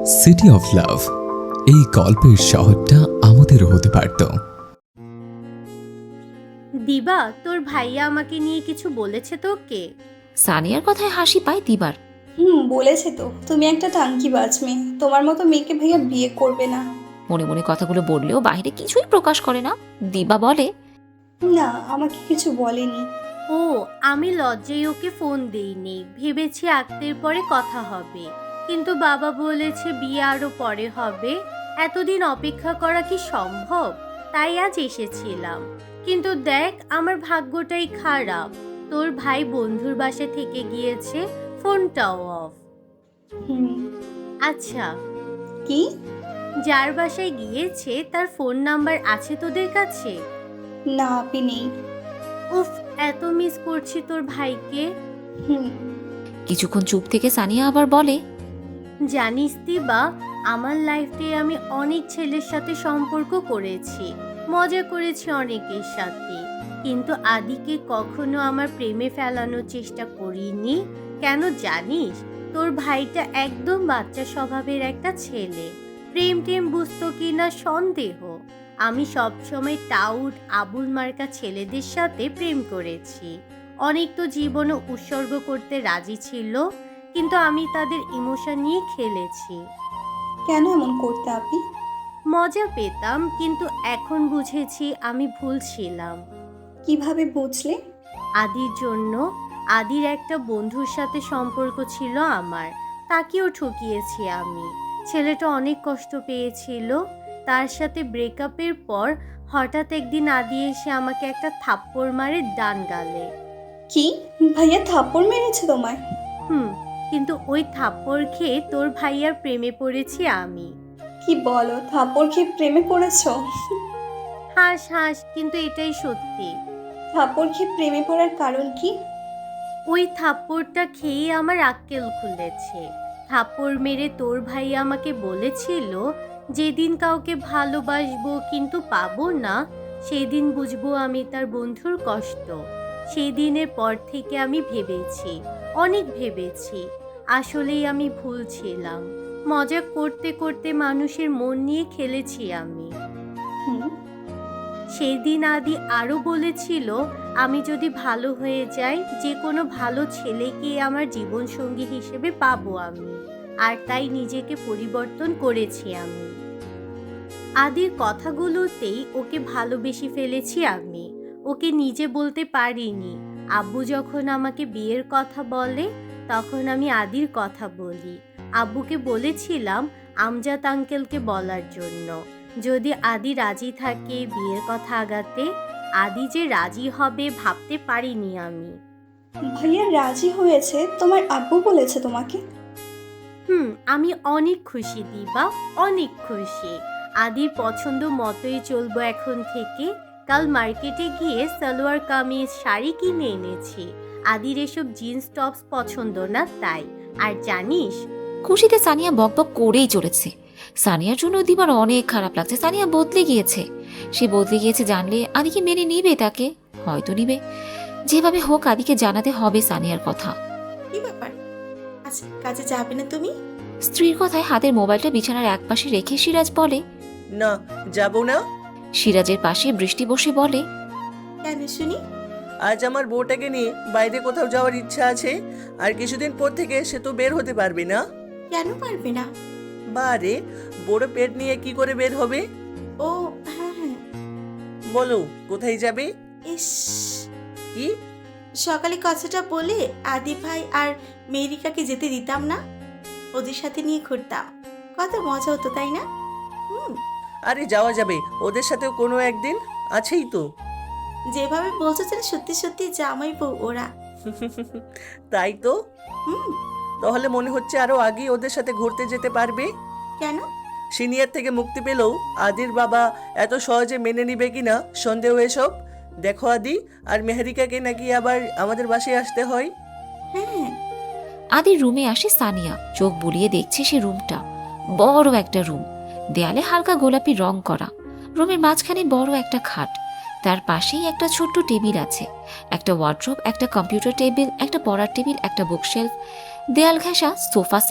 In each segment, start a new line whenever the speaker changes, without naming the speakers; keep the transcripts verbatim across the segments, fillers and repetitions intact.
City of love, এই গল্পের শহরটা আমাদেরও হতে পারত।
দিবা, তোর ভাইয়া আমাকে নিয়ে কিছু বলেছে তোকে?
সানিয়ার কথায় হাসি পায় দিবার।
হুম, বলেছে তো তুমি একটা টাঙ্কিবাজ মেয়ে, তোমার মতো মেয়েকে ভাইয়া বিয়ে করবে না।
মনে মনে কথাগুলো বললেও বাইরে কিছুই প্রকাশ করে না। দিবা বলে,
না, আমাকে কিছু বলেনি।
ও, আমি লজ্জায় ওকে ফোন দেইনি, ভেবেছি আক্তের পরে কথা হবে, কিন্তু বাবা বলেছে বিয়ে আরো পরে হবে। এতদিন অপেক্ষা করা কি সম্ভব? তাই আজ এসেছিলাম। কিন্তু দেখ, আমার ভাগ্যটাই খারাপ। তোর ভাই বন্ধুর বাসা থেকে গিয়েছে, ফোনটাও অফ।
হুম।
আচ্ছা,
কি?
যার বাসায় গিয়েছে তার ফোন নাম্বার আছে তোদের কাছে?
না, আপনি নেই।
উফ, এত মিস করছি তোর ভাইকে।
হুম।
কিছুক্ষণ চুপ থেকে সানিয়া আবার বলে,
জানিস দিবা, আমার লাইফে আমি অনেক ছেলের সাথে সম্পর্ক করেছি, মজা করেছি অনেকের সাথে, কিন্তু আদিকে কখনো আমার প্রেমে ফেলানোর চেষ্টা করিনি। কেন জানিস? তোর ভাইটা একদম বাচ্চা স্বভাবের একটা ছেলে। প্রেম টেম বুঝতো কিনা সন্দেহ। আমি সবসময় টাউট আবুল মার্কা ছেলেদের সাথে প্রেম করেছি। অনেক তো জীবনও উৎসর্গ করতে রাজি ছিল, কিন্তু আমি তাদের ইমোশন নিয়ে খেলেছি।
কেন এমন করতে আপনি?
মজা পেতাম, কিন্তু এখন বুঝেছি আমি ভুল ছিলাম।
কিভাবে বুঝলে?
আদির জন্য। আদির একটা বন্ধুর সাথে সম্পর্ক ছিল আমার, তাকেও ঠকিয়েছি আমি। ছেলেটা অনেক কষ্ট পেয়েছিল। তার সাথে ব্রেকআপের পর হঠাৎ একদিন আদি এসে আমাকে একটা থাপ্পড় মারে ডান গালে।
কি? ভাইয়া থাপ্পড় মেরেছে তোমায়?
হুম, কিন্তু ওই থাপ্পড় খেয়ে তোর ভাইয়ার প্রেমে পড়েছি আমি।
কি বলো, থাপ্পড় খেয়ে প্রেমে পড়েছো?
হাস হাস, কিন্তু এটাই সত্যি।
থাপ্পড় খেয়ে প্রেমে পড়ার কারণ কি?
ওই থাপ্পড়টা খেয়ে আমার আক্কেল খুলেছে। থাপ্পড় মেরে তোর ভাই আমাকে বলেছিল, যেদিন কাউকে ভালোবাসবো কিন্তু পাবো না, সেদিন বুঝবো আমি তার বন্ধুর কষ্ট। সেই দিনের পর থেকে আমি ভেবেছি, অনেক ভেবেছি, আসলেই আমি ভুল ছিলাম। মজা করতে করতে মানুষের মন নিয়ে খেলেছি আমি।
হুম।
সেই দিন আদি আরও বলেছিল, আমি যদি ভালো হয়ে যাই, যে কোনো ভালো ছেলেকে আমার জীবনসঙ্গী হিসেবে পাবো আমি। আর তাই নিজেকে পরিবর্তন করেছি আমি। আদির কথাগুলোতেই ওকে ভালোবেসে ফেলেছি আমি। ওকে নিজে বলতে পারিনি। আব্বু যখন আমাকে বিয়ের কথা বলে, তখন আমি আদির কথা বলি। আব্বুকে বলেছিলাম আমজাদ আঙ্কেলকে বলার জন্য, যদি আদি রাজি থাকে বিয়ের কথা আগাতে। আদি যে রাজি হবে ভাবতে পারিনি আমি।
ভাইয়া রাজি হয়েছে? তোমার আব্বু বলেছে তোমাকে?
হুম, আমি অনেক খুশি দিবা, অনেক খুশি। আদির পছন্দ মতোই চলবো এখন থেকে। কাল মার্কেটে গিয়ে সালোয়ার কামিজ শাড়ি কিনে এনেছি। আদির এসব জিন্স টপস পছন্দ না তাই। আর জানিস,
খুশিতে সানিয়া বকবক করেই চলেছে। সানিয়ার জন্য দিবার অনেক খারাপ লাগছে। সানিয়া বদলে গিয়েছে। সে বদলে গিয়েছে জানলে আদিকে মেনে নিবে তাকে? হয়তো নিবে। যেভাবে হোক আদিকে জানাতে হবে সানিয়ার কথা।
কি ব্যাপার, আজ কাজে যাবে না তুমি?
স্ত্রীর কথায় হাতের মোবাইলটা বিছানার একপাশে রেখে সিরাজ বলে,
না, যাব না।
সিরাজের পাশে বৃষ্টি বসে বলে,
কেন শুনি?
আজ আমার বউটাকে নিয়ে বাইরে কোথাও যাওয়ার ইচ্ছা আছে, আর কিছুদিন পর থেকে সে তো বের হতে পারবে না।
কেন পারবে না?
বারে, বড় পেট নিয়ে কি করে বের হবে?
ও হ্যাঁ হ্যাঁ।
বলো, কোথায় যাবে?
ইস,
কি?
সকালে কথাটা বলে আদি ভাই আর মেরিকাকে যেতে দিতাম না, ওদের সাথে নিয়ে ঘুরতাম, কত মজা হতো তাই না? হুম,
আরে যাওয়া যাবে ওদের সাথেও কোনো একদিন, আছেই তো।
যেভাবে বলছো যেন সত্যি সত্যি জামাই বউ ওরা।
তাই তো।
হুম।
তাহলে মনে হচ্ছে আরো আগে ওদের সাথে ঘুরতে যেতে পারবে।
কেন?
সিনিয়র থেকে মুক্তি পেলেও আদির বাবা এত সহজে মেনে নিবে কিনা সন্দেহ এসব। দেখো আদি আর মেহেরিকাকে নাকি আবার আমাদের বাসায় আসতে হয়।
হ্যাঁ।
আদির রুমে আসে সানিয়া। চোখ বুলিয়ে দেখছে সে রুমটা। বড় একটা রুম, দেয়ালে হালকা গোলাপি রং করা। রুমের মাঝখানে বড় একটা খাট, তার পাশেই একটা ছোট্ট টেবিল আছে, একটা ওয়ার্ড্রোব, একটা কম্পিউটার টেবিল, একটা পড়ার টেবিল, একটা বুকশেলফ, দেয়াল ঘেঁষা সোফা সেট,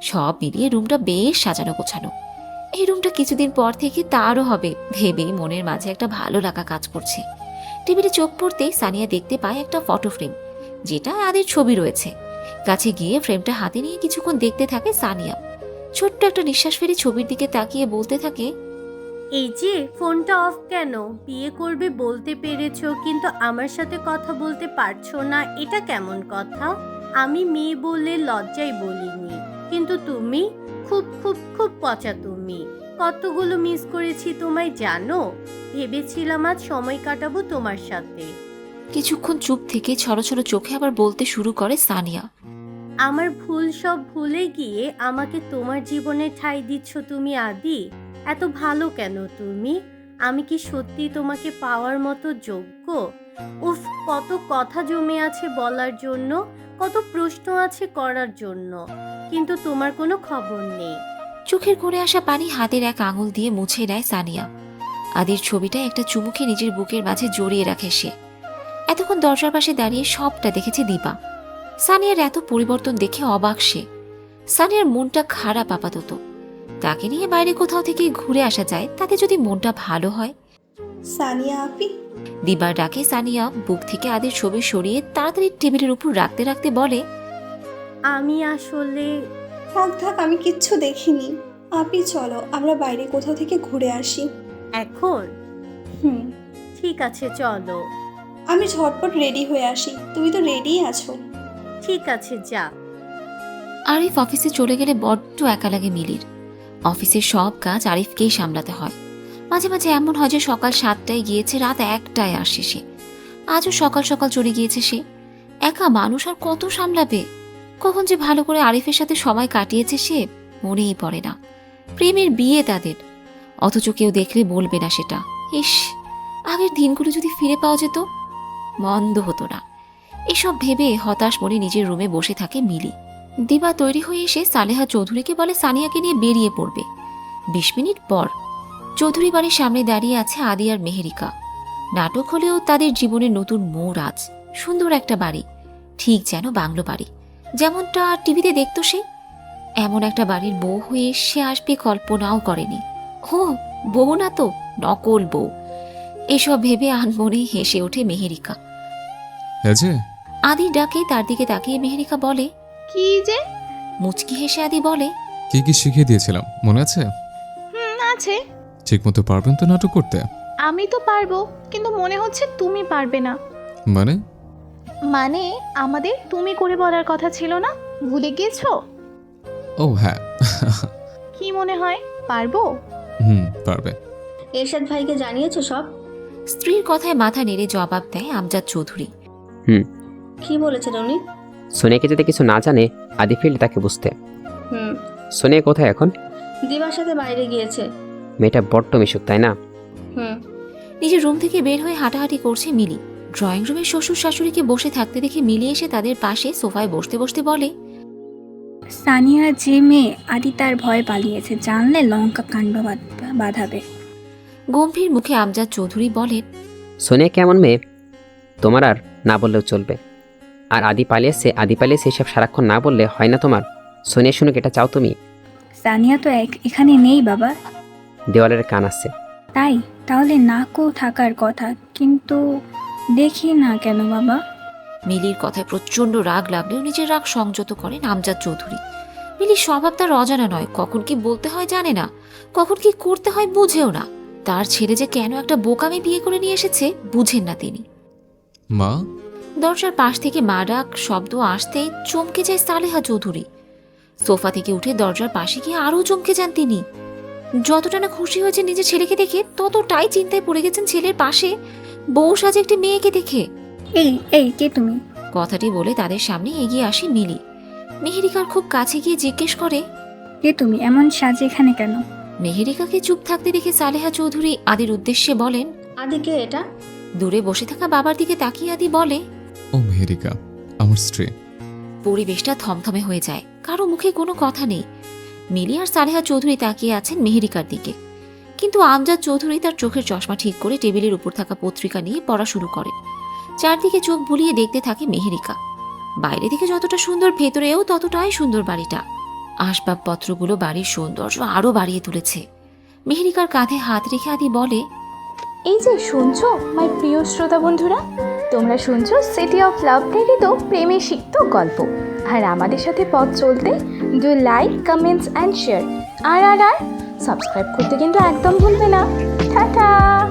সব মিলিয়ে রুমটা বেশ সাজানো গোছানো। এই রুমটা কিছুদিন পর থেকে তারও হবে ভেবেই মনের মাঝে একটা ভালো লাগা কাজ করছে। টেবিলে চোখ পড়তেই সানিয়া দেখতে পায় একটা ফটো ফ্রেম, যেটা আদির ছবি রয়েছে। কাছে গিয়ে ফ্রেমটা হাতে নিয়ে কিছুক্ষণ দেখতে থাকে সানিয়া। ছোট্ট একটা নিঃশ্বাস ফেলে ছবির দিকে তাকিয়ে বলতে থাকে,
এই যে ফোনটা অফ কেন? বিয়ে করবে বলতে পেরেছো, কিন্তু আমার সাথে কথা বলতে পারছো না, এটা কেমন কথা? আমি মেয়ে বলে লজ্জায় বলিনি, কিন্তু তুমি খুব খুব খুব পচা। তুমি কতগুলো মিস করেছি তোমায় জানো? ভেবেছিলাম আজ সময় কাটাবো তোমার সাথে।
কিছুক্ষণ চুপ থেকে ছড়ো ছড়ো চোখে আবার বলতে শুরু করে সানিয়া,
আমার ভুল সব ভুলে গিয়ে আমাকে তোমার জীবনে ঠাঁই দিচ্ছ তুমি আদি। এত ভালো কেন তুমি? আমি কি সত্যি তোমাকে পাওয়ার মতো যোগ্য? উফ, কত কথা জমে আছে বলার জন্য, কত প্রশ্ন আছে করার জন্য, কিন্তু তোমার কোনো খবর নেই।
চোখের কোণে আসা পানি হাতের এক আঙুল দিয়ে মুছে নেয় সানিয়া। আদির ছবিটা একটা চুমুকে নিজের বুকের মাঝে জড়িয়ে রাখে সে। এতক্ষণ দরজার পাশে দাঁড়িয়ে সবটা দেখেছে দীপা। সানিয়ার এত পরিবর্তন দেখে অবাক সে। সানিয়ার মনটা খারাপ আপাতত। তাকে নিয়ে বাইরে কোথাও থেকে ঘুরে আসা যায়, তাতে যদি মনটা ভালো হয়।
সানিয়া আপি।
দিবার ডাকে সানিয়া বুক থেকে আদির ছবি সরিয়ে তাড়াতাড়ি টেবিলের উপর রাখতে রাখতে বলে,
আমি আসলে
থাক থাক, আমি কিচ্ছু দেখিনি। আপি চলো আমরা বাইরে কোথাও থেকে ঘুরে আসি।
এখন
হুম,
ঠিক আছে চলো।
আমি ঝটপট রেডি হয়ে আসি, তুমি তো রেডি আছো।
ঠিক আছে যা।
আরিফ অফিসে চলে গেলে বড্ড একা লাগে মিলির। অফিসের সব কাজ আরিফকেই সামলাতে হয়। মাঝে মাঝে এমন হয় যে সকাল সাতটায় গিয়েছে, রাত একটায় আসে সে। আজও সকাল সকাল চলে গিয়েছে সে। একা মানুষ আর কত সামলাবে? কখন যে ভালো করে আরিফের সাথে সময় কাটিয়েছে সে মনেই পড়ে না। প্রেমের বিয়ে তাদের, অথচ কেউ দেখলে বলবে না সেটা। ইস, আগের দিনগুলো যদি ফিরে পাওয়া যেত, মন্দ হতো না। এসব ভেবে হতাশ মনে নিজের রুমে বসে থাকে মিলি। দিবা তৈরি হয়ে এসে সালেহা চৌধুরীকে বলে সানিয়াকে নিয়ে বেরিয়ে পড়বে। বিশ মিনিট পর চৌধুরী বাড়ির সামনে দাঁড়িয়ে আছে আদি আর মেহেরিকা। নাটক হলেও তাদের জীবনের নতুন মোড় আজ। সুন্দর একটা বাড়ি, ঠিক যেন বাংলো বাড়ি, যেমনটা টিভিতে দেখতো সে। এমন একটা বাড়ির বউ হয়ে সে আসবে কল্পনাও করেনি। ও বউ না তো, নকল বউ। এসব ভেবে আনমনেই হেসে ওঠে মেহেরিকা।
এই যে
আদির ডাকে তার দিকে তাকিয়ে মেহেরিকা বলে,
কি যে?
মুচকি হেসে আদি বলে,
কি কি শিখিয়ে দিয়েছিলাম মনে আছে?
হুম, আছে।
ঠিক মতো পারবেন তো নাটক করতে?
আমি তো পারবো, কিন্তু মনে হচ্ছে তুমি পারবে না।
মানে?
মানে আমাদের তুমি করে বলার কথা ছিল না, ভুলে গেছো?
ও হ্যাঁ।
কি মনে হয় পারবো?
হুম, পারবে।
এরশাদ ভাইকে জানিয়েছো সব?
স্ত্রীর কথায় মাথা নেড়ে জবাব দেয় আমজাদ চৌধুরী।
হুম।
কি বলেছেন উনি?
সোনিয়াকে যদি কিছু না জানে আদি ফিল্ড তাকে বুঝতে।
হুম।
সোনিয়া কোথায় এখন?
দিবার সাথে বাইরে গিয়েছে।
মেয়েটা বড্ড মিশুক, তাই না?
হুম।
নিজের রুম থেকে বের হয়ে হাঁটাহাঁটি করছে মিলি। ড্রয়িং রুমে শ্বশুর শাশুড়িকে বসে থাকতে দেখে মিলি এসে তাদের পাশে সোফায় বসতে বসতে বলে,
সানিয়া যে মেয়ে, আদি তার ভয় পালিয়েছে, জানলে লঙ্কা কাণ্ড বাঁধ- বাঁধাবে।
গম্ভীর মুখে আমজাদ চৌধুরী বলেন,
সোনিয়া কেমন মেয়ে তোমার আর না বললেও চলবে। আর আদি পালিয়েছে, আদি পালিয়েছে এসব সারাক্ষণ না বললে হয় না তোমার। সোনিয়া শুনুক, এটা চাও তুমি?
সানিয়া তো এক- এখানে নেই বাবা।
দেওয়ালের কান আছে।
তাই তাহলে নাকও থাকার কথা, কিন্তু দেখি না কেন বাবা।
মিলির কথায় প্রচন্ড রাগ লাগলেও নিজের রাগ সংযত করেন আমজাদ চৌধুরী। মিলির স্বভাব তার অজানা নয়, কখন কি বলতে হয় জানে না, কখন কি করতে হয় বুঝেও না। তার ছেলে যে কেন একটা বোকামে বিয়ে করে নিয়ে এসেছে বুঝেন না তিনি।
মা?
দরজার পাশ থেকে মা ডাক শব্দ আসতেই চমকে যায় সালেহা চৌধুরী। সোফা থেকে উঠে দরজার পাশে গিয়ে আরও চমকে যান তিনি। যতটা না খুশি হয়েছে নিজের ছেলেকে দেখে, ততটাই চিন্তায় পড়ে গেছেন ছেলের পাশে বউ সাজে একটি মেয়েকে দেখে।
এই এই কে তুমি?
কথাটি বলে তাদের সামনে এগিয়ে আসে মিলি। মেহেরিকার খুব কাছে গিয়ে জিজ্ঞেস করে,
কে তুমি? এমন সাজে এখানে কেন?
মেহেরিকাকে চুপ থাকতে দেখে সালেহা চৌধুরী আদির উদ্দেশ্যে বলেন।
আদি কে এটা?
দূরে বসে থাকা বাবার দিকে তাকিয়ে আদি বলে,
ও মেহেরিকা, আমার স্ত্রী।
পরিবেশটা থমথমে হয়ে যায়, কারো মুখে কোনো কথা নেই। মিলি আর সালেহা চৌধুরী তাকিয়ে আছেন মেহেরিকার দিকে, কিন্তু আমজাদ চৌধুরী তার চোখের চশমা ঠিক করে টেবিলের উপর থাকা পত্রিকা নিয়ে পড়া শুরু করেন। চারদিকে চোখ বুলিয়ে দেখতে থাকে মেহেরিকা। বাইরে থেকে যতটা সুন্দর, ভেতরেও ততটাই সুন্দর বাড়িটা। আসবাবপত্রগুলো বাড়ির সৌন্দর্য আরো বাড়িয়ে তুলেছে। মেহেরিকার কাঁধে হাত রেখে আদি বলে,
এই যে শুনছো মাই প্রিয় শ্রোতা বন্ধুরা, তোমরা শুনছো সিটি অফ লাভ প্রেরিত প্রেমে সিক্ত গল্প। আর আমাদের সাথে পথ চলতে do like comments and share. আর আর আর সাবস্ক্রাইব করতে কিন্তু একদম ভুলবে না। টাটা।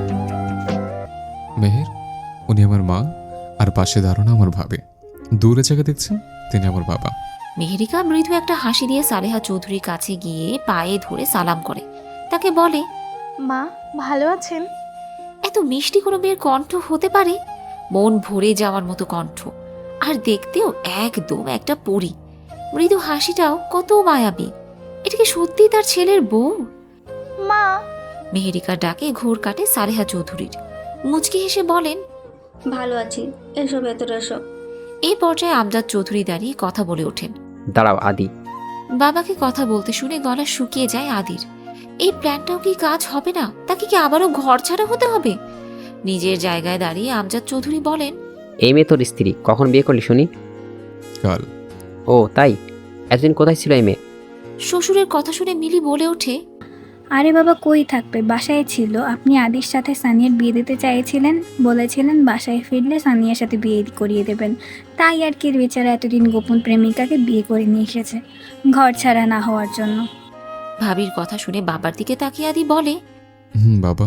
মেহের, উনি আমার মা, আর পাশে দাঁড়ানো আমার ভাবে। দূরে জায়গা দেখছেন, তিনি আমার বাবা।
মেহেরিকা মৃদু একটা হাসি দিয়ে সালেহা চৌধুরীর কাছে গিয়ে পায়ে ধরে সালাম করে। তাকে বলে,
মা ভালো আছেন?
এত মিষ্টি কোনো মেয়ের কণ্ঠ হতে পারে? মন ভরে যাওয়ার মতো কণ্ঠ, আর দেখতেও একদম একটা পরী। মৃদু হাসিটাও কত মায়াবী। এটা কি সত্যি তার ছেলের বউ?
মা।
মেহেরিকার ডাকে ঘোর কাটে সালেহা চৌধুরীর। মুচকি হেসে বলেন,
ভালো আছি, এসো ভেতরে এসো।
এই পর্যায়ে আমজাদ চৌধুরী দাঁড়িয়ে কথা বলে ওঠেন।
দাঁড়াও আদি।
বাবাকে কথা বলতে শুনে গলা শুকিয়ে যায় আদির। এই প্ল্যানটাও কি কাজ হবে না? তাকে কি আবারও ঘর ছাড়া হতে হবে? নিজের জায়গায় দাঁড়িয়ে আমজাদ চৌধুরী বলেন,
এই মেয়ে তোর স্ত্রী, কখন বিয়ে করলি শুনি?
কাল।
ও তাই? এতদিন কোথায় ছিল এই মেয়ে?
শ্বশুরের কথা শুনে মিলি বলে ওঠে,
আরে বাবা কই থাকবে, বাসায় ছিল। আপনি আদির সাথে সানিয়ার বিয়ে দিতে চাইছিলেন, বলেছিলেন বাসায় ফিরলে সানিয়ার সাথে বিয়ে করিয়ে দেবেন। তাই আর কি বেচারা এতদিন গোপন প্রেমিকাকে বিয়ে করে নিয়ে এসেছে, ঘর ছাড়া না হওয়ার জন্য।
ভাবির কথা শুনে বাবার দিকে তাকিয়ে আদি বলে,
হুম বাবা,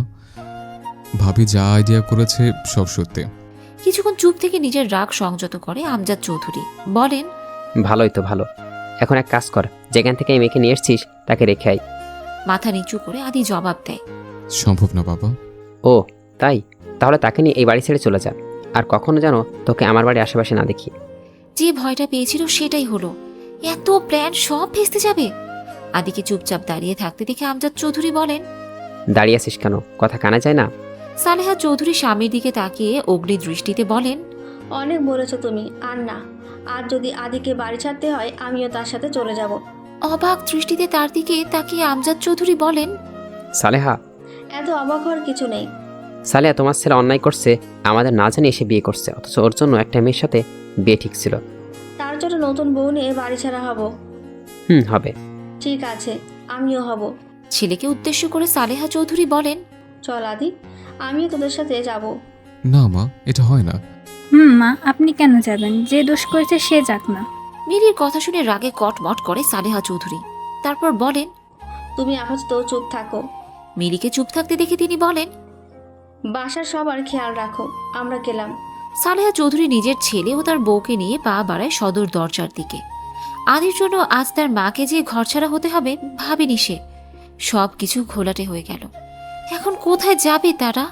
ভাবি যা আইডিয়া করেছে সব সত্যি।
কিছুক্ষণ চুপ থেকে নিজের রাগ সংযত করে আমজাদ চৌধুরী বলেন,
ভালোই তো ভালো। এখন এক কাজ কর, যেখান থেকে এই মেয়েকে নিয়ে এসছিস তাকে রেখে আয়।
মাথা নিচু করে আদি জবাব দেয়,
সম্ভব না বাবা।
ও তাই? তাহলে তাকে নিয়ে এই বাড়ি ছেড়ে চলে যা, আর কখনো যেন তোকে আমার বাড়ির আশেপাশে না দেখি।
যে ভয়টা পেয়েছিল সেটাই হলো। এত প্ল্যান সব ভেস্তে যাবে। আদিকে চুপচাপ দাঁড়িয়ে থাকতে দেখে আমজাদ চৌধুরী বলেন,
দাঁড়িয়ে আছিস কেন? কথা কানা যায় না?
সালেহা চৌধুরী স্বামীর দিকে তাকিয়ে অগ্নি দৃষ্টিতে বলেন,
অনেক বলেছো তুমি, আর না। আর যদি আদিকে বাড়ি ছাড়তে হয় আমিও তার সাথে চলে যাব।
অবাক দৃষ্টিতে তার দিকে তাকিয়ে আমজাদ চৌধুরী বলেন,
সালেহা।
এত অবাক হওয়ার কিছু নেই।
সালেহা, তোমার ছেলে অন্যায় করছে, আমাদের না জানি এসে বিয়ে করছে, অথচ ওর জন্য একটা মেয়ের সাথে বিয়ে ঠিক ছিল।
তার জন্য নতুন বউ নিয়ে বাড়ি ছাড়া হব?
হুম হবে।
ঠিক আছে, আমিও হব।
ছেলেকে উদ্দেশ্য করে সালেহা চৌধুরী বলেন,
চল আদি, আমিও তোদের সাথে যাব।
না মা, এটা হয় না।
হুম মা, আপনি কেন যাবেন? যে দোষ করেছে সে যাক না।
মিলির কথা শুনে রাগে কটমট করে সালেহা চৌধুরী। তারপর বলেন,
তুমি আপাতত চুপ থাকো।
মিলিকে চুপ থাকতে দেখে তিনি বলেন,
বাসার সবার খেয়াল রাখো, আমরা গেলাম।
সালেহা চৌধুরী নিজের ছেলে ও তার বউকে নিয়ে পা বাড়ায় সদর দরজার দিকে। আদির জন্য আজ তার মাকে যে ঘরছাড়া হতে হবে ভাবেনি সে। সব কিছু ঘোলাটে হয়ে গেল। এখন কোথায় যাবে তারা?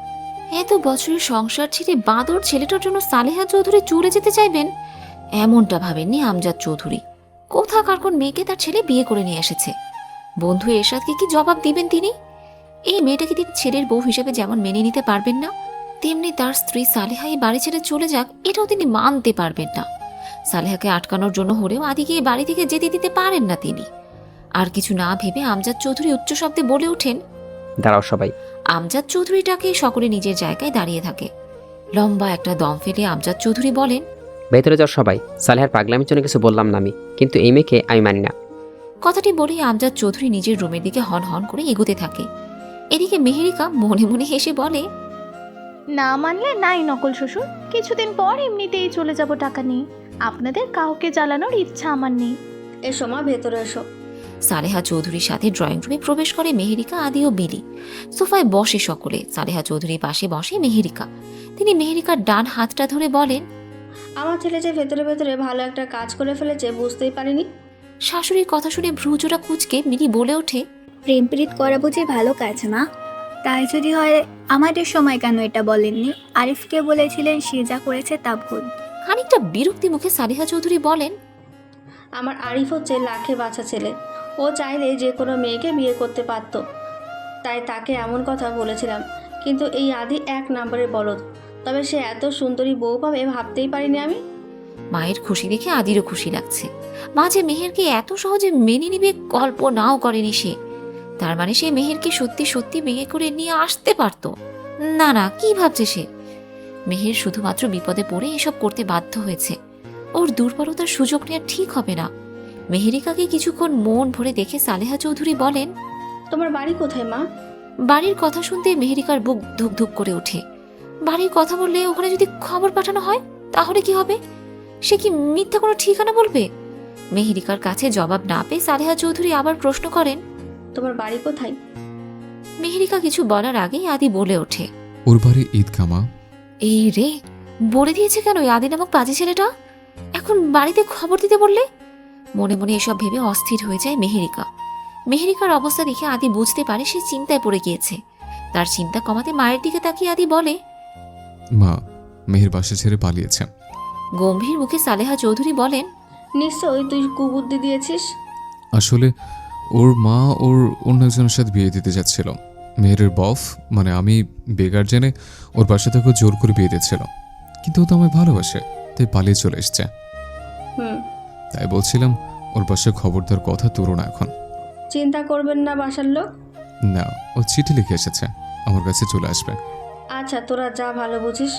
এত বছরের সংসার ছেড়ে বাঁদর ছেলেটার জন্য সালেহা চৌধুরী চলে যেতে চাইবেন এমনটা ভাবেননি আমজাদ চৌধুরী। কোথাকার কোন মেয়েকে তার ছেলে বিয়ে করে নিয়ে এসেছে। বন্ধু এরশাদকে কি জবাব দিবেন তিনি? এই মেয়েটাকে তিনি ছেলের বউ হিসেবে যেমন মেনে নিতে পারবেন না, তেমনি তার স্ত্রী সালেহা এই বাড়ি ছেড়ে চলে যাক এটাও তিনি মানতে পারবেন না। সালেহাকে আটকানোর জন্য হলেও আদিকে এই বাড়ি থেকে যেতে দিতে পারেন না তিনি। আর কিছু না ভেবে আমজাদ চৌধুরী উচ্চ শব্দে বলে ওঠেন,
দাঁড়াও সবাই।
আমজাদ চৌধুরীটাকে সকলে নিজের জায়গায় দাঁড়িয়ে থাকে। লম্বা একটা দম ফেলে আমজাদ চৌধুরী বলেন,
ভেতরে যাও সবাই। সালেহার পাগলামির জন্য কিছু বললাম না আমি, কিন্তু এই মেয়েকে আমি মানি না।
কথাটি বলেই আমজাদ চৌধুরী নিজের রুমের দিকে হন হন করে এগোতে থাকে। এদিকে মেহেরিকা মনে মনে হেসে বলে,
না মানলে নাই নকল শ্বশুর, কিছুদিন পর এমনিতেই চলে যাব টাকা নিয়ে। আপনাদের কাউকে জ্বালানোর ইচ্ছা আমার নেই।
এসো মা, ভেতরে এসো।
সালেহা চৌধুরীর সাথে ড্রয়িং রুমে প্রবেশ করে মেহেরিকা, আদি ও বিলি। সোফায় বসে সকলে। সালেহা চৌধুরীর পাশে বসে মেহেরিকা। তিনি মেহেরিকার ডান হাতটা ধরে বলেন,
আমার ছেলে যে ভেতরে ভেতরে ভালো একটা কাজ করে ফেলেছে বুঝতেই পারিনি।
শাশুড়ির কথা শুনে ভ্রুজোড়া কুঁচকে মিলি বলে ওঠে,
প্রেম প্রীত করা বুঝি ভালো কাজ না? তাই যদি হয় আমাদের সময় কেন এটা বলেননি? আরিফকে বলেছিলেন সে যা করেছে তা ভুল।
খানিকটা বিরক্তি মুখে সালেহা চৌধুরী বলেন,
আমার আরিফ হচ্ছে লাখে বাঁচা ছেলে। ও চাইলে যে কোনো মেয়েকে বিয়ে করতে পারত, তাই তাকে এমন কথা বলেছিলাম। কিন্তু এই আদি এক নম্বরের বলদ। তবে সে এত সুন্দরী বউ পাবে ভাবতেই পারিনি আমি।
মায়ের খুশি দেখে আদিরও খুশি লাগছে। মা যে মেহেরকে এত সহজে মেনে নিবে কল্পনাও করেনি সে। তার মানে সে মেহেরকে সত্যি সত্যি বিয়ে করে নিয়ে আসতে পারত। না না, কি ভাবছে সে? মেহের শুধুমাত্র বিপদে পড়ে এসব করতে বাধ্য হয়েছে। ওর দুর্বলতার সুযোগ নেওয়া ঠিক হবে না। মেহেরিকাকে কিছুক্ষণ মন ভরে দেখে সালেহা চৌধুরী বলেন,
তোমার বাড়ি কোথায় মা?
বাড়ির কথা শুনতে মেহেরিকার বুক ধুক ধুক করে ওঠে। বাড়ির কথা বললে ওখানে যদি খবর পাঠানো হয় তাহলে কি হবে? সে কি মিথ্যা কোনো ঠিকানা বলবে? মেহেরিকার কাছে জবাব না পেয়ে সালেহা চৌধুরী আবার প্রশ্ন করেন,
তোমার বাড়ি কোথায়?
মেহেরিকা কিছু বলার আগেই আদি বলে ওঠে,
ওর বাড়ি ঈদগাঁ মা।
এই রে, বলে দিয়েছে কেন ওই আদি নামক পাজি ছেলেটা? এখন বাড়িতে খবর দিতে বললে? মনে মনে এসব ভেবে অস্থির হয়ে যায় মেহেরিকা। মেহেরিকার অবস্থা দেখে আদি বুঝতে পারে সে চিন্তায় পড়ে গিয়েছে। তার চিন্তা কমাতে মায়ের দিকে তাকিয়ে আদি বলে,
মা, মেহের বাসা ছেড়ে পালিয়েছে।
গম্ভীর মুখে সালেহা চৌধুরী বলেন,
নিশ্চয়ই তুই কুবুদ্ধি দিয়েছিস।
আসলে ওর মা ওর অন্য একজনের সাথে বিয়ে দিতে যাচ্ছিল। মেহেরের বফ মানে আমি বেগার জেনে ওর বাসা থেকে জোর করে বিয়ে দিচ্ছিল, কিন্তু ও তো আমায় ভালোবাসে, তাই পালিয়ে চলে এসছে।
হুম,
তাই বলছিলাম ওর বাসায় খবর দেওয়ার কথা তোরো না এখন।
চিন্তা করবেন না বাসার লোক।
না, ও চিঠি লিখে এসেছে, আমার কাছে চলে আসবে।
আচ্ছা, তোরা যা ভালো বুঝিস।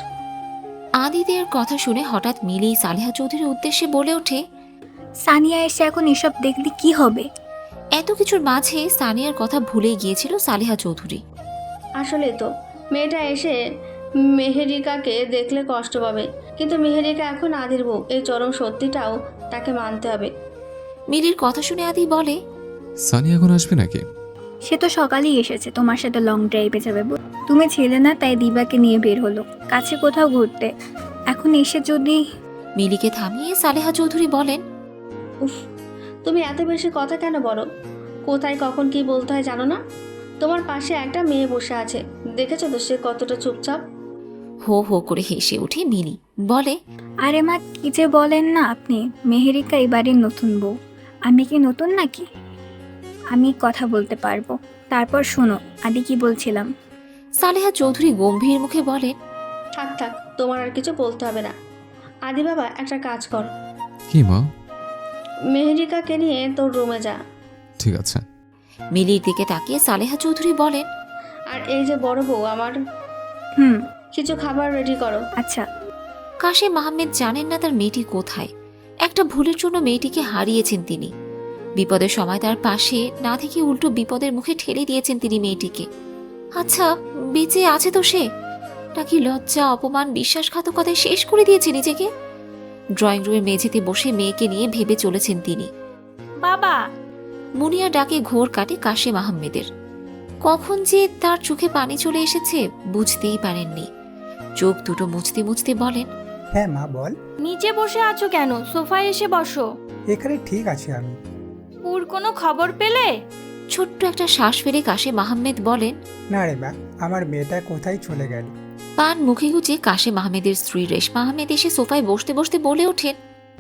আদিদের কথা শুনে হঠাৎ মিলি সালেহা চৌধুরীর উদ্দেশ্যে বলে ওঠে,
সানিয়া এসে এখন এসব দেখলে কি হবে?
এত কিছুর মাঝে সানিয়ার কথা ভুলেই গিয়েছিল সালেহা চৌধুরী।
আসলে তো মেয়েটা এসে মেহেরিকাকে দেখলে কষ্ট পাবে, কিন্তু মেহেরিকা এখন আদির বউ, এই চরম সত্যিটাও তাকে মানতে হবে।
মিলির কথা শুনে আদি বলে,
সানি এখন আসবে নাকি?
সে তো সকালেই এসেছে, তোমার সাথে লং ড্রাইভে যাবে বলে। তুমি ছিলে না তাই দিবাকে নিয়ে বের হলো কাছে কোথাও ঘুরতে। এখন এসে যদি...
মিলিকে থামিয়ে সালেহা চৌধুরী বলেন,
উফ, তুমি এত বেশি কথা কেন বলো? কোথায় কখন কি বলতে হয় জানো না? তোমার পাশে একটা মেয়ে বসে আছে, দেখেছো তো সে কতটা চুপচাপ।
হো হো করে হেসে উঠে মিলি বলে,
আরে মা, কি যে বলেন না আপনি? মেহেরিকা এবারের নতুন বউ, আমি কি নতুন নাকি? আমি কথা বলতে পারবো। তারপর শোনো, আদি কি বলছিলাম।
সালেহা চৌধুরী গম্ভীর মুখে বলেন,
থাক থাক, তোমার আর কিছু বলতে হবে না। আদি বাবা, একটা কাজ কর,
কি মা?
মেহেরিকাকে নিয়ে তোর রুমে যা।
ঠিক আছে।
মিলির দিকে তাকিয়ে সালেহা চৌধুরী বলেন,
আর এই যে বড় বউ আমার,
হুম,
কিছু খাবার রেডি করো।
আচ্ছা।
কাশেম আহমেদ জানেন না তার মেয়েটি কোথায়। একটা ভুলের জন্য মেয়েটিকে হারিয়েছেন তিনি। বিপদের সময় তার পাশে না থেকে উল্টো বিপদের মুখে ঠেলে দিয়েছেন তিনি মেয়েটিকে। আচ্ছা, বেঁচে আছে তো সে, নাকি লজ্জা অপমান বিশ্বাসঘাতকতায় শেষ করে দিয়েছে নিজেকে? ড্রয়িং রুমের মেঝেতে বসে মেয়েকে নিয়ে ভেবে চলেছেন তিনি।
বাবা,
মুনিয়া ডাকে ঘোর কাটে কাশেম আহমেদের। কখন যে তার চোখে পানি চলে এসেছে বুঝতেই পারেননি। চোখ দুটো মুছতে মুছতে বলেন,
হ্যাঁ মা বল।
নিচে বসে আছো কেন? সোফায় এসে বসো।
এখানে ঠিক আছে আমি।
ওর কোনো খবর পেলে?
ছোট্ট একটা শ্বাস ফেলে কাশেম আহমেদ বলেন,
না রে মা, আমার মেয়েটা কোথায় চলে গেল?
পান মুখে গুজে কাশেম আহমেদের স্ত্রী রেশমা আহমেদ এসে সোফায় বসতে বসতে বলে ওঠেন,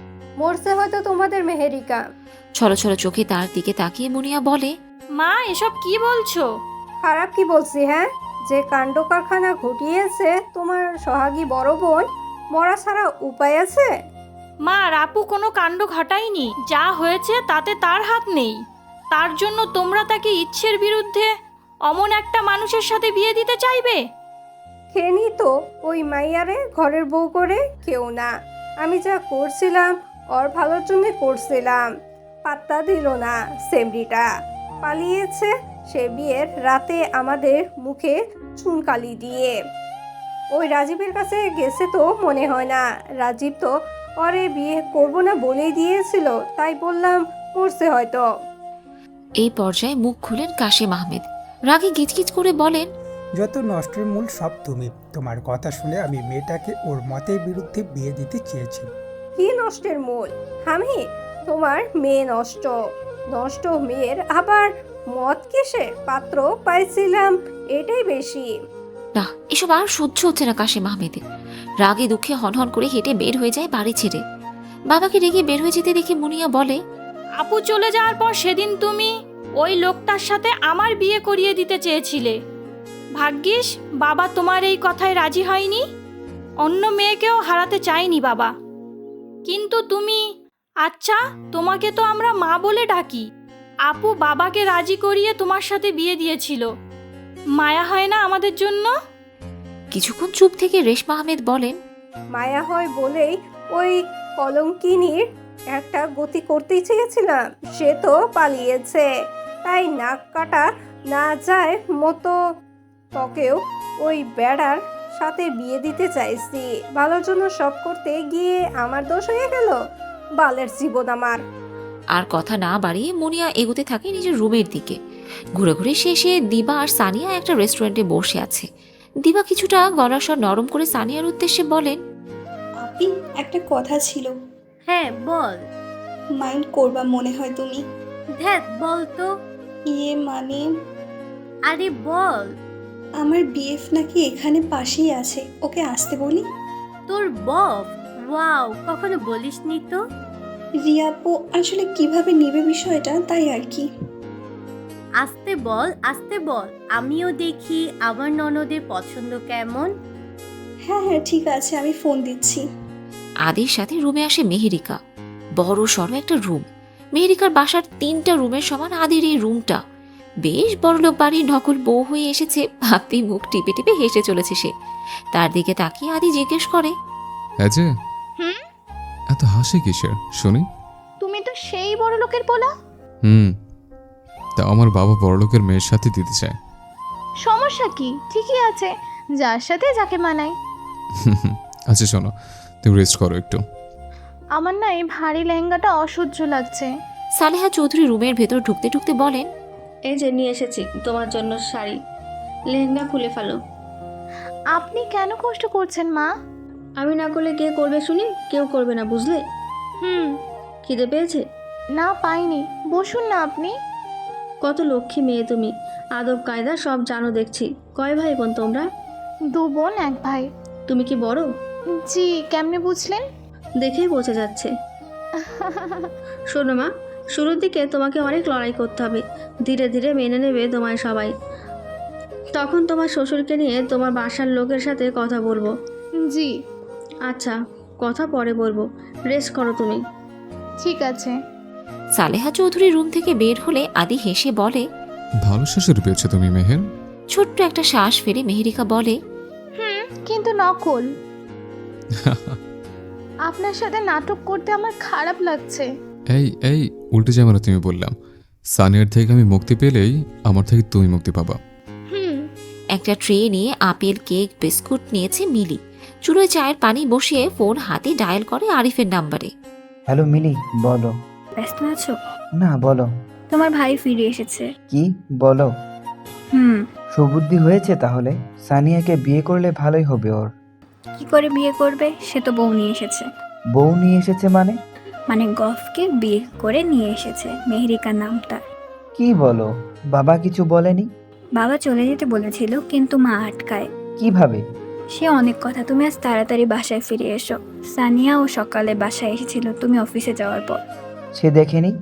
মরছে হয়তো তোমাদের মেহেরিকা।
ছলো ছলো চোখে তার দিকে তাকিয়ে মুনিয়া বলে,
মা, এসব কি বলছো? খারাপ কি বলছি? হ্যাঁ, যে কাণ্ড কারখানা ঘটিয়েছে তোমার সোহাগী বড় বোন, মরা ছাড়া উপায় আছে? মা, রাপু কোনো কাণ্ড ঘটায়নি। যা হয়েছে তাতে তার হাত নেই। তার জন্য তোমরা তাকে ইচ্ছের বিরুদ্ধে অমন একটা মানুষের সাথে বিয়ে দিতে চাইবে? খেনি তো ওই মাইয়ারে ঘরের বউ করে কেউ না। আমি যা করছিলাম ওর ভালোর জন্য করছিলাম। পাত্তা দিল না সেমরিটা, পালিয়েছে সে বিয়ের রাতে আমাদের মুখে চুনকালি দিয়ে। ওই রাজীবের কাছে গেছে তো মনে হয় না। রাজীব তো ওরে বিয়ে করবো না বলেই দিয়েছিল, তাই বললাম মরছে হয়তো।
এই পর্যায়ে মুখ খুলেন কাশেম আহমেদ। রাগে গিজগিজ করে বলেন,
যত নষ্টের মূল সব তুমি। তোমার কথা শুনে আমি মেয়েটাকে ওর মতের বিরুদ্ধে বিয়ে দিতে চেয়েছি।
কি নষ্টের মূল? আমি? তোমার মেয়ে নষ্ট। নষ্ট মেয়ের আবার মত কিসে? পাত্র পাইছিলাম, এটাই বেশি।
না, এসব আর সহ্য হচ্ছে না কাশেম আহমেদের। রাগে দুঃখে হনহন করে হেঁটে বের হয়ে যায় বাড়ি ছেড়ে। বাবাকে রেগে বের হয়ে যেতে দেখে মুনিয়া বলে,
আপু চলে যাওয়ার পর সেদিন তুমি ওই লোকটার সাথে আমার বিয়ে করিয়ে দিতে চেয়েছিলে। ভাগ্যিস বাবা তোমার এই কথায় রাজি হয়নি। অন্য মেয়েকেও হারাতে চাইনি বাবা। কিন্তু তুমি, আচ্ছা তোমাকে তো আমরা মা বলে ডাকি। আপু বাবাকে রাজি করিয়ে তোমার সাথে বিয়ে দিয়েছিল। মায়া হয় না আমাদের জন্য?
কিছুক্ষণ চুপ থেকে রেশমা আহমেদ বলেন,
মায়া হয় বলেই ওই কলঙ্কিনীর একটা গতি করতেই চেয়েছিলাম, সে তো পালিয়েছে, তাই নাক কাটা না যায় মতো তোকেও ওই বেড়ার সাথে বিয়ে দিতে চাইছি। ভালোর জন্য সব করতে গিয়ে আমার দোষ হয়ে গেল, বালের জীবন আমার।
আর কথা না বাড়িয়ে মুনিয়া এগোতে থাকে নিজের রুমের দিকে। ঘুরে ঘুরে শেষে দিবা আর সানিয়া একটা রেস্টুরেন্টে বসে আছে। দিবা কিছুটা গলার স্বর নরম করে সানিয়ার উদ্দেশ্যে বলেন,
আপি, একটা কথা ছিল।
হ্যাঁ বল।
মাইন্ড করবা মনে হয় তুমি।
ধ্যাত বল তো।
ইয়ে মানে
আরে বল।
আমার বিএফ নাকি এখানে পাশেই আছে, ওকে আসতে বলি?
তোর বফ? ওয়াও, কখনো বলিসনি তো।
রিয়াপু আসলে কিভাবে নেবে বিষয়টা, তাই আর কি।
আসতে বল, আসতে বল, আমিও দেখি আমার ননদের পছন্দ কেমন।
হ্যাঁ হ্যাঁ ঠিক আছে, আমি ফোন দিচ্ছি।
আদির সাথে রুমে আসে মেহেরিকা। বড় সড়ো একটা রুম। মেহেরিকার বাসার তিনটা রুমের সমান আদির এই রুমটা। বেশ বড়লোক বাড়ির নকল বউ হয়ে এসেছে ভাবতেই মুখ টিপে টিপে হেসে চলেছে সে। তার দিকে তাকিয়ে আদি জিজ্ঞেস করে,
হ্যাঁ যে
হুম
এত হাসি কিসের শুনি?
তুমি তো সেই বড় লোকের পোলা।
হুম, তা আমার বাবা বড়লোকের মেয়ের সাথে দিতে চায়।
সমস্যা কি? ঠিকই আছে, যার সাথে যাকে মানায়।
আচ্ছা শোনো, তুমি রেস্ট করো একটু।
আমার না এই ভারী লেহেঙ্গাটা অসহ্য লাগছে।
সালেহা চৌধুরী রুমের ভেতর ঢুকতে ঢুকতে বলেন,
এই যে নিয়ে এসেছি তোমার জন্য শাড়ি, লেহেঙ্গা খুলে ফেলো।
আপনি কেন কষ্ট করছেন মা?
আমি না করলে কে করবে শুনি? কেউ করবে না, বুঝলে?
হুম।
খিদে পেয়েছে?
না পাইনি, বসুন না আপনি।
কত লক্ষ্মী মেয়ে তুমি, আদব কায়দা সব জানো দেখছি। কয় ভাই বোন তোমরা?
দু বোন এক ভাই।
তুমি কি বড়?
জি, কেমনে বুঝলেন?
দেখেই বোঝা যাচ্ছে। শোনো মা, শুরুর দিকে তোমাকে অনেক লড়াই করতে হবে, ধীরে ধীরে মেনে নেবে তোমায় সবাই। তখন তোমার শ্বশুরকে নিয়ে তোমার বাসার লোকের সাথে কথা বলবো।
জি।
আচ্ছা, কথা পরে বলবো, রেস্ট করো তুমি।
ঠিক আছে।
সালেহা চৌধুরী রুম থেকে বের হলে আদি হেসে বলে,
ভালো শাশুড়ি পেয়েছো তুমি মেহের।
ছোট্ট একটা শ্বাস ফেলে মেহেরিকা বলে,
হুম, কিন্তু নকল। আপনার সাথে নাটক করতে আমার খারাপ লাগছে।
এই এই উল্টে যাবে না, তুমি বললাম সানিয়ার থেকে আমি মুক্তি পেলেই আমার থেকে তুমি মুক্তি পাবা।
হুম।
একটা ট্রে নিয়ে আপেল, কেক, বিস্কুট নিয়েছে মিলি। চুলোয় চায়ের পানি বসিয়ে ফোন হাতে ডায়াল করে আরিফের নাম্বারে।
হ্যালো মিলি, বলো।
ব্যস্ত আছো?
না, বলো।
তোমার ভাই ফিরে এসেছে।
কি বলো?
হুম।
সুবুদ্ধি হয়েছে তাহলে? সানিয়াকে বিয়ে করলে ভালোই হবে ওর।
কি করে বিয়ে করবে? সে তো বউ নিয়ে এসেছে।
বউ নিয়ে এসেছে মানে?
মানে গফকে বিয়ে করে নিয়ে এসেছে, মেহেরিকা নাম তার।
কি বলো? বাবা কিছু বলেনি?
বাবা চলে যেতে বলেছিল কিন্তু মা আটকায়।
কিভাবে?
সে অনেক কথা, তুমি আজ তাড়াতাড়ি বাসায় ফিরে এসো। সানিয়া ও সকালে বাসায় এসেছিল তুমি অফিসে যাওয়ার পর।
সে দেখেনি?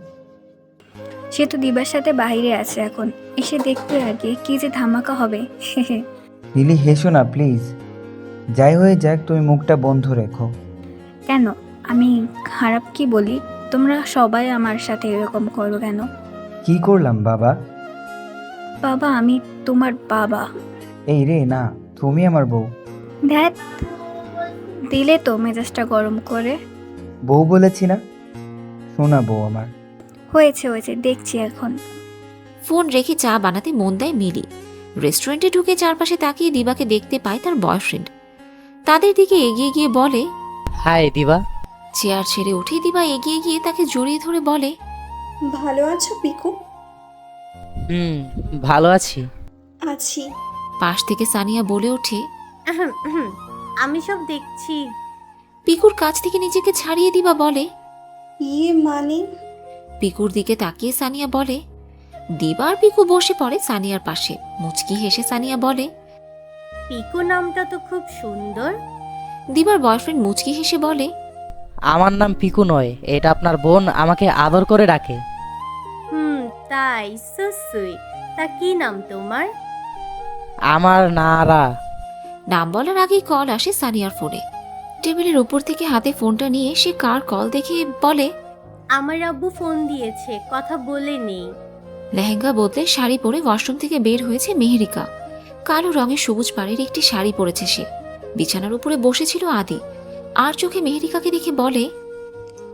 সে তো দিবার সাথে বাইরে আছে এখন, এসে দেখতে আগে কি যে ধামাকা হবে।
মিলি হেসো না প্লিজ। যাই হয়ে যাক, তুমি মুখটা বন্ধ রেখো।
কেন, আমি খারাপ কি বলি? তোমরা সবাই আমার সাথে এরকম করো কেন?
কি করলাম বাবা?
বাবা, আমি তোমার বাবা।
এই রে না, তুমি আমার বউ।
ধ্যাত, দিলে তো মেজাজটা গরম করে।
বউ বলেছি না? শোনা বউ আমার।
হয়েছে হয়েছে, দেখছি এখন।
ফোন রেখে চা বানাতে মন দেয় মিলি। রেস্টুরেন্টে ঢুকে চারপাশে তাকিয়ে দিবাকে দেখতে পায় তার বয়ফ্রেন্ড। তাদের দিকে এগিয়ে গিয়ে বলে,
হাই দিবা।
চেয়ার ছেড়ে উঠে দিবা এগিয়ে গিয়ে তাকে জড়িয়ে ধরে বলে,
ভালো আছো পিকু?
হুম, ভালো আছি।
আছি।
পাশ থেকে সানিয়া বলে ওঠে,
আহম, আহম, আমি সব দেখছি।
পিকুর কাছ থেকে নিজেকে ছাড়িয়ে দিবা বলে,
ইয়ে মানে?
পিকুর দিকে তাকিয়ে সানিয়া বলে। দিবার পিকু বসে পড়ে সানিয়ার পাশে। মুচকি হেসে সানিয়া বলে,
পিকু নামটা তো খুব সুন্দর।
দিবার বয়ফ্রেন্ড মুচকি হেসে বলে,
আমার নাম পিকু নয়, এটা আপনার বোন আমাকে আদর করে ডাকে।
হুম, তাই? So sweet. তা কি নাম তোমার?
আমার নারা।
নাম বলার আগেই কল আসে সানিয়ার ফোনে। টেবিলের উপর থেকে হাতে ফোনটা নিয়ে সে কার কল দেখে বলে,
আমার আব্বু ফোন দিয়েছে, কথা বলে নেই।
লেহেঙ্গা বদলে শাড়ি পরে ওয়াশরুম থেকে বের হয়েছে মেহেরিকা। কালো রঙের সবুজ পাড়ের একটি শাড়ি পরেছে সে। বিছানার উপরে বসেছিল আদি। আর চোখে মেহেরিকাকে দেখে বলে,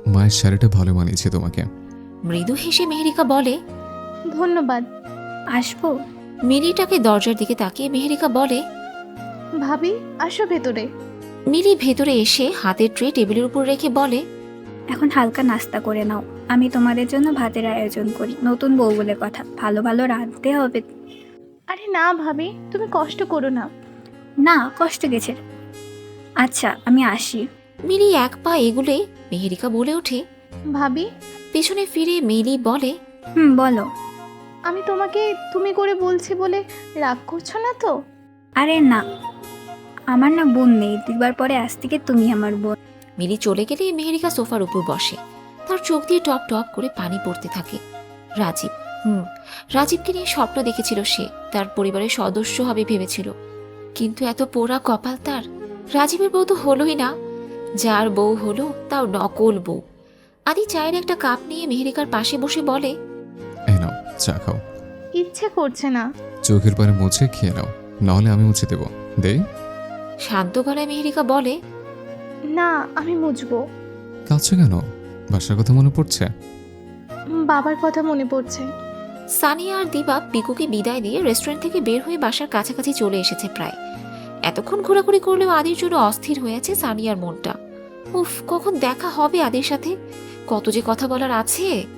মায়ের শাড়িটা ভালো মানিয়েছে তোমাকে।
মৃদু হেসে মেহেরিকা বলে,
ধন্যবাদ।
আসবো?
মিলিটাকে দরজার দিকে তাকিয়ে মেহেরিকা বলে,
ভাবি আসো ভেতরে।
মিলি ভেতরে এসে হাতের ট্রে টেবিলের উপর রেখে বলে,
এখন হালকা নাস্তা করে নাও, আমি তোমাদের জন্য ভাতের আয়োজন করি। নতুন বউ বলে কথা, ভালো ভালো রাঁধতে হবে।
আরে না ভাবি, তুমি কষ্ট করো না।
না, কষ্ট গেছে। আচ্ছা আমি আসি।
মিলি এক পা এগুলে মেহেরিকা বলে ওঠে।
ভাবি,
পেছনে ফিরে মিলি বলে,
হুম বলো।
আমি তোমাকে তুমি করে বলছি বলে রাগ করছো না তো?
আরে না, আমার না বোন নেই, দুবার পরে আজ থেকে তুমি আমার বোন।
মিলি চলে গেলে মেহেরিকা সোফার উপর বসে, তার চোখ দিয়ে টপ টপ করে পানি পড়তে থাকে। রাজীব, হুম রাজীবকে নিয়ে স্বপ্ন দেখেছিল সে, তার পরিবারের সদস্য হবে ভেবেছিল, কিন্তু এত পোড়া কপাল তার। রাজীবের বউ তো হলোই না, যার বউ হলো তাও নকল বউ। আদি চায়ের একটা কাপ নিয়ে মেহেরিকার পাশে বসে বলে,
এই নাও চা খাও।
ইচ্ছে করছে না।
চোখের পারে মুছে খেয়ে নাও, নাহলে আমি মুছে দেবো। দেই?
শান্ত গলায় মেহেরিকা বলে,
না আমি মুছবো।
কাঁদছো কেন? বাসার কথা মনে পড়ছে?
বাবার কথা মনে পড়ছে।
সানিয়া আর দিবা পিকুকে বিদায় দিয়ে রেস্টুরেন্ট থেকে বের হয়ে বাসার কাছাকাছি চলে এসেছে প্রায়। এতক্ষণ ঘোরাঘুরি করলেও আদির জন্য অস্থির হয়ে আছে সানিয়ার মনটা। উফ, কখন দেখা হবে আদির সাথে, কত যে কথা বলার আছে।